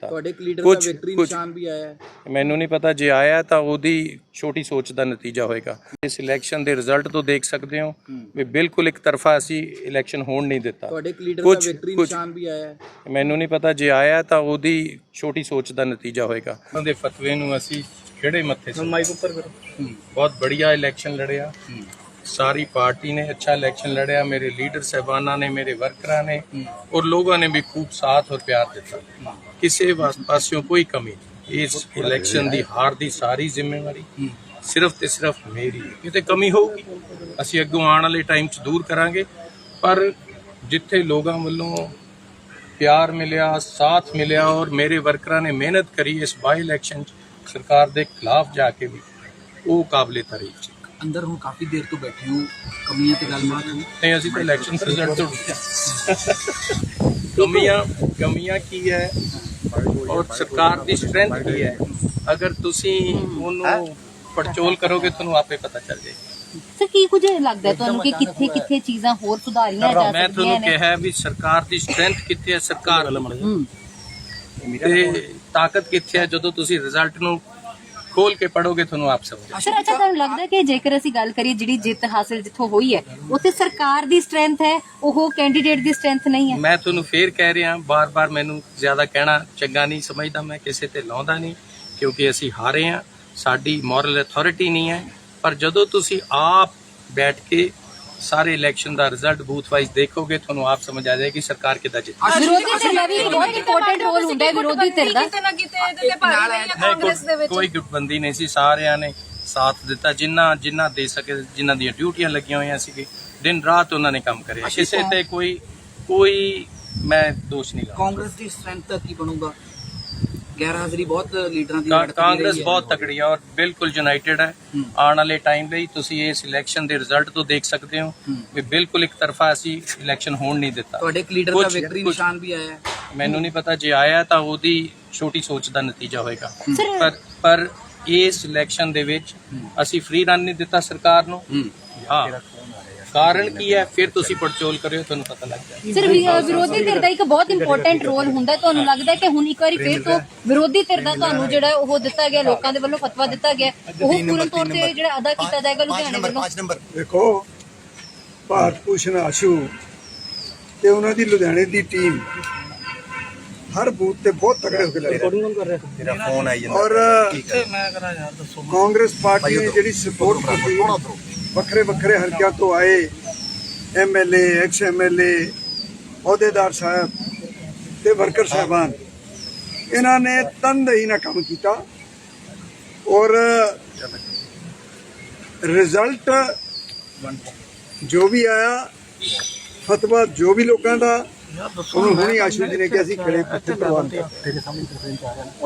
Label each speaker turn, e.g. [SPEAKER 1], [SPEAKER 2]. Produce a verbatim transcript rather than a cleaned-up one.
[SPEAKER 1] कुछ कुछ मैनू नहीं पता जे आया तो ओदी छोटी सोच का नतीजा होएगा। इस इलैक्शन के रिजल्ट तो देख सकते हो भी बिल्कुल एक तरफा असी इलैक्शन होण नहीं दिता। कुछ कुछ मैनू नहीं पता जे आया तो ओदी छोटी सोच का नतीजा होएगा। उन्हां दे फतवे नूं असी खिहड़े मत्थे बहुत बढ़िया इलैक्शन लड़िया, सारी पार्टी ने अच्छा इलैक्शन लड़िया, मेरे लीडर साहबाना ने, मेरे वर्करां ने और लोगों ने भी खूब साथ और प्यार दिता। किसी पासियों कोई कमी नहीं। इस इलैक्शन की हार की सारी जिम्मेवारी सिर्फ ते सिर्फ मेरी है। किते कमी होगी असी अगों आने वाले टाइम च दूर करांगे, पर जिथे लोगों वालों प्यार मिलिया, साथ मिलिया और मेरे वर्करां ने मेहनत करी इस बाई इलैक्शन सरकार के खिलाफ जाके भी, वो काबिले तारीफ है।
[SPEAKER 2] अंदर हूँ काफी देर तो बैठे हूँ, कमियां ते गलबात
[SPEAKER 1] नहीं असी तो इलैक्शन रिजल्ट तो कमियां कमियां की है और सरकार की स्ट्रेंथ की है। अगर तुसी उन्होंने पड़चोल करोगे तो आपे पता चल जाएगा।
[SPEAKER 3] सर की कुछ लगता है तुहानू कि किथे किथे चीज़ां होर सुधारियां जा
[SPEAKER 1] मैं तुहानू कहा भी सरकार की स्ट्रेंथ किथे है, सरकार ते ताकत किथे है। जदों तुसी रिजल्ट नू खोल के पढ़ोगे तो आप समझ।
[SPEAKER 3] सर अच्छा तुहानू लगदा है कि जेकर असीं गल करिए जिहड़ी जित हासिल जिथों हुई है उत्थे सरकार दी स्ट्रेंथ है, ओह कैंडीडेट दी स्ट्रेंथ नहीं है?
[SPEAKER 1] मैं तुहानू फिर कह रहा बार बार, मैनू ज्यादा कहना चंगा नहीं समझदा, मैं किसी ते लाउंदा नहीं क्योंकि असी हारे हैं, साडी मॉरल अथॉरिटी नहीं है। पर जदों तुसी आप बैठ के सारे इलैक्शन का रिजल्ट बूथ वाइज देखोगे तो आप समझ आ जाएगी सरकार कितना जीती।
[SPEAKER 3] विरोधी धिर दा भी बहुत इंपॉर्टेंट रोल हुंदा है, विरोधी धिर दा
[SPEAKER 1] कोई गुटबंदी नहीं सी, सारिਆਂ ने साथ दिता, जिन्ना जिन्ना दे सके, जिन्ना दी ड्यूटियां लगियां हुई सी, दिन रात उन्होंने काम करे, किसी ते कोई कोई मैं दोष नहीं ला।
[SPEAKER 2] कांग्रेस की स्ट्रेंथ की बनूगा, गैर हाजिरी बहुत लीडरां दी
[SPEAKER 1] कांग्रेस बहुत तगड़ी है और बिल्कुल यूनाइटेड है। आने वाले टाइम ਲਈ ਤੁਸੀਂ ਇਸ ਇਲੈਕਸ਼ਨ ਦੇ ਰਿਜ਼ਲਟ ਤੋਂ ਦੇਖ ਸਕਦੇ ਹੋ ਵੀ ਬਿਲਕੁਲ ਇੱਕ ਤਰਫਾ ਅਸੀਂ ਇਲੈਕਸ਼ਨ ਹੋਣ ਨਹੀਂ ਦਿੱਤਾ।
[SPEAKER 2] ਤੁਹਾਡੇ ਇੱਕ ਲੀਡਰ ਦਾ ਵਿਕਟਰੀ ਨਿਸ਼ਾਨ ਵੀ ਆਇਆ ਹੈ,
[SPEAKER 1] ਮੈਨੂੰ ਨਹੀਂ ਪਤਾ ਜੇ ਆਇਆ ਤਾਂ ਉਹਦੀ ਛੋਟੀ ਸੋਚ ਦਾ ਨਤੀਜਾ ਹੋਏਗਾ। ਪਰ ਪਰ ਇਸ ਇਲੈਕਸ਼ਨ ਦੇ ਵਿੱਚ ਅਸੀਂ ਫ੍ਰੀ ਰਨ ਨਹੀਂ ਦਿੱਤਾ ਸਰਕਾਰ ਨੂੰ। ਹਾਂ कारण की है फिर तुसी पड़चोल करियो ਤੁਹਾਨੂੰ पता लग जाए।
[SPEAKER 3] सर विरोधी धिर दा एक बहुत इंपॉर्टेंट रोल हुंदा है, ਤੁਹਾਨੂੰ ਲੱਗਦਾ ਹੈ ਕਿ ਹੁਣ ਇੱਕ ਵਾਰੀ ਫਿਰ ਤੋਂ ਵਿਰੋਧੀ धिर ਦਾ ਤੁਹਾਨੂੰ ਜਿਹੜਾ ਉਹ ਦਿੱਤਾ ਗਿਆ, ਲੋਕਾਂ ਦੇ ਵੱਲੋਂ ਫਤਵਾ ਦਿੱਤਾ ਗਿਆ, ਉਹ ਪੂਰਨ ਤੌਰ ਤੇ ਜਿਹੜਾ ਅਦਾ ਕੀਤਾ ਜਾਏਗਾ ਲੁਧਿਆਣੇ ਵੱਲੋਂ?
[SPEAKER 4] ਦੇਖੋ ਭਾਰਤ ਭੂਸ਼ਣ ਆਸ਼ੂ ਤੇ ਉਹਨਾਂ ਦੀ ਲੁਧਿਆਣੇ ਦੀ ਟੀਮ हर बूथ ਤੇ बहुत तगड़े होकर लड़ रहे हैं और कांग्रेस पार्टी ने ਜਿਹੜੀ सपोर्ट की ਵੱਖਰੇ ਵੱਖਰੇ ਹਲਕਿਆਂ ਤੋਂ ਆਏ M L A, ex M L A, ਅਹੁਦੇਦਾਰ ਸਾਹਿਬ ਤੇ ਵਰਕਰ ਸਾਹਿਬਾਨ, ਇਹਨਾਂ ਨੇ ਤਨਦੇਹੀ ਨਾਲ ਕੰਮ ਕੀਤਾ ਔਰ ਰਿਜ਼ਲਟ ਜੋ ਵੀ ਆਇਆ, ਫਤਵਾ ਜੋ ਵੀ ਲੋਕਾਂ ਦਾ, ਉਹਨੂੰ ਹੁਣੀ ਆਸ਼ੂ ਜੀ ਨੇ ਕਿ ਅਸੀਂ ਖੜੇ ਪੱਥੇ ਪ੍ਰਵਾਨ ਕਰ